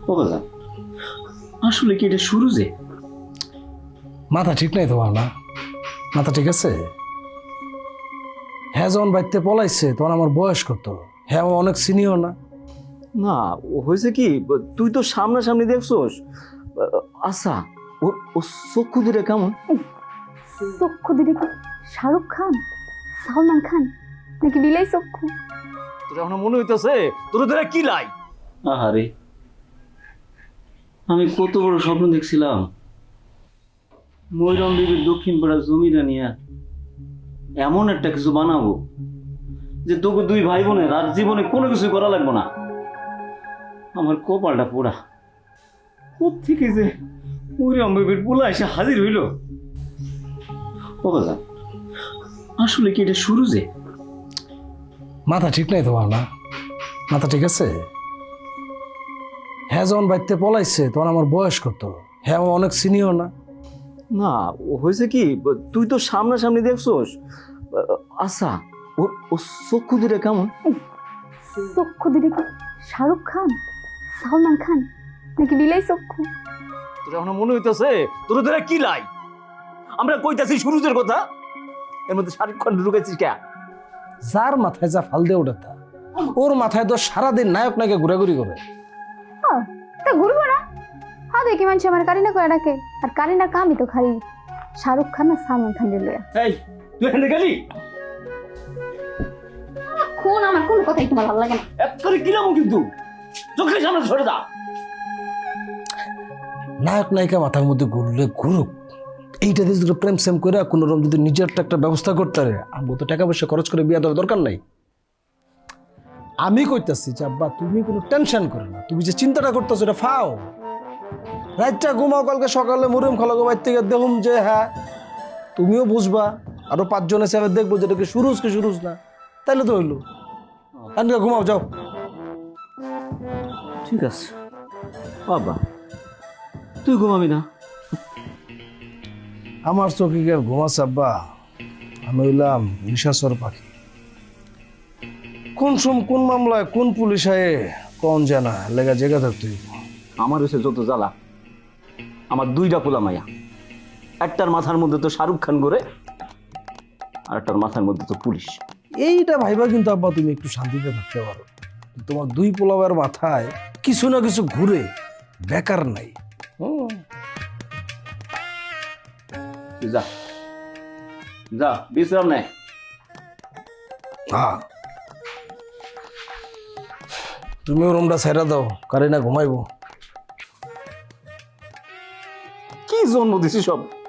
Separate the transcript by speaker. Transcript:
Speaker 1: ও বাজান, আসলে কি এটা শুরু যে?
Speaker 2: মাথা ঠিক নাই তোমার না? মাথা ঠিক আছে? হ্যাঁ, যখন বাড়িতে পলাইছে তখন আমার বয়স কত? হ্যাঁ, ও অনেক সিনিয়র না?
Speaker 1: না, ও হয়েছে কি, তুই তো সামনাসামনি দেখছোস। আচ্ছা, ওর ও চক্ষু দুটা কেমন?
Speaker 3: চক্ষু দুটো কি শাহরুখ খান, সালমান খান নাকি বিলাই চক্ষু?
Speaker 1: তোর এখন মনে হইতেছে তোর তোরা কি লাই? আহারে, আমি কত বড় স্বপ্ন দেখছিলাম, ময়রম বিবির দক্ষিণ পাড়া জমিটা নিয়ে এমন একটা কিছু বানাবো যে তোকে দুই ভাই বোনের আর জীবনে কোনো কিছু করা লাগবে না। আমার কপালটা পোড়া, কোত্থেকে যে ময়রম বিবির পোলা এসে হাজির হইল। ও বাজান, আসলে কি এটা শুরু যে?
Speaker 2: মাথা ঠিক নাই তোমার না? মাথা ঠিক আছে? হ্যাঁ, যখন বাড়িতে পলাইছে তখন আমার বয়স কত? হ্যাঁ, ও অনেক সিনিয়র না?
Speaker 1: না, ও হয়েছে কি, তুই তো সামনাসামনি দেখছোস। আচ্ছা, ওর ও চক্ষু দুটা কেমন?
Speaker 3: চক্ষু দুটো কি শাহরুখ খান, সালমান খান নাকি বিলাই চক্ষু?
Speaker 1: তোর এখন মনে হইতেছে তোর তোরা কি লাই? আমরা কইতাছি সুরুজের কথা, এর মধ্যে শাহরুখ খান ঢুকেছিস কে?
Speaker 2: যার মাথায় যা ফাল দিয়ে ওঠে তা। ওর মাথায় তো সারাদিন নায়ক নায়কে ঘোরাঘুরি করে।
Speaker 3: তা ঘুরবো না? হ্যাঁ, দেখি মানুষ আমার কারিনা করে ডাকে, আর কারিনার কামই তো খালি শাহরুখ খান আর সালমান খান লইয়া।
Speaker 1: এই, তুই এখানে গেলি?
Speaker 3: কোন আমার কোন কথাই তোমার ভালো লাগে না?
Speaker 1: এক করে কিলাম কিন্তু, চোখের সামনে সরে যা।
Speaker 2: নায়ক নায়িকা মাথার মধ্যে ঘুরলে ঘুরুক, এইটা দিয়ে যদি প্রেম সেম করে কোনো রকম যদি নিজের একটা ব্যবস্থা করতে পারে, আমি তো টাকা পয়সা খরচ করে বিয়ে দেওয়ার দরকার নাই। আমি কইতাছি যে আব্বা, তুমি কোনো টেনশন করো না, তুমি যে চিন্তাটা করতেছো এটা ফাও। রাতটা ঘুমাও, কালকে সকালে মুরুম খালাগো বাইর থেকে দেখুম যে হ্যাঁ তুমিও বুঝবা, আরো 5 জনের সাথে দেখবো যেটা কি সুরুজ না, তাইলে তো হইলো। আনকা ঘুমাও, যাও।
Speaker 1: ঠিক আছে বাবা, তুই ঘুমাবি না?
Speaker 2: আমার চোখে কি আর ঘুমাচ্ছে আব্বা? আমি হইলাম নিশাচর পাখি। কোন মামলায় কোন পুলিশ আয়ে কোন জানা লেগা জেগা থাকতে হইব।
Speaker 1: আমার হচ্ছে যত জ্বালা, আমার দুইটা পোলা মাইয়া, একটার মাথার মধ্যে তো শাহরুখ খান ঘুরে, আর একটার মাথার মধ্যে তো পুলিশ।
Speaker 2: এইটা ভাইবা কিন্তু আব্বা তুমি একটু শান্তিতে থাকতে পারো। তোমার দুই পোলাবের মাথায় কিছু না কিছু ঘুরে, বেকার নাই।
Speaker 1: তুই যা যা, বিশ্রাম নেয়।
Speaker 2: হ্যাঁ, তুমিও রুমটা ছেড়ে দাও, কারিনা ঘুমাইবো।
Speaker 1: কি জন্ম দিছি সব।